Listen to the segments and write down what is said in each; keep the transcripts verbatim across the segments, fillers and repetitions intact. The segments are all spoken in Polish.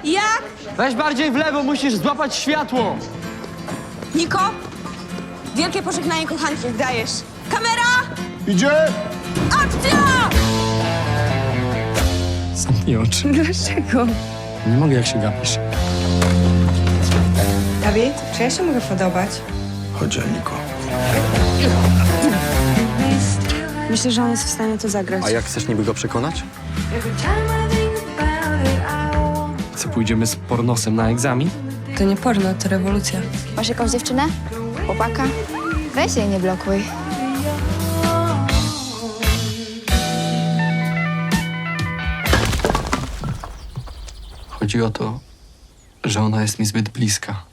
Jak? Weź bardziej w lewo, musisz złapać światło. Niko? Wielkie pożegnanie kochanki, dajesz. Kamera! Idzie! Akcja! Zamknij oczy. Dlaczego? Nie mogę, jak się gapisz. Dawid, czy ja się mogę podobać? Chodź, Niko. Myślę, że on jest w stanie to zagrać. A jak chcesz niby go przekonać? Co, pójdziemy z pornosem na egzamin? To nie porno, to rewolucja. Masz jakąś dziewczynę? Chłopaka? Weź jej, nie blokuj. Chodzi o to, że ona jest mi zbyt bliska.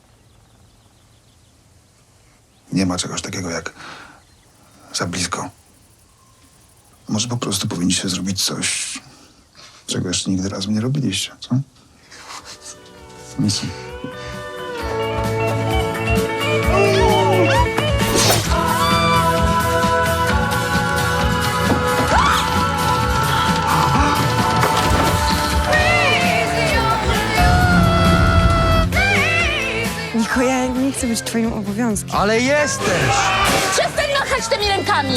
Nie ma czegoś takiego jak za blisko. Może po prostu powinniście zrobić coś, czego jeszcze nigdy razem nie robiliście, co? Nic. Niko, ja nie chcę być twoim obowiązkiem. Ale jesteś! Przestań machać tymi rękami!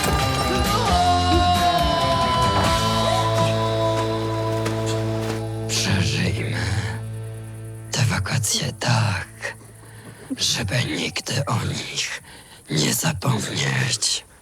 Przeżyjmy te wakacje tak, żeby nigdy o nich nie zapomnieć.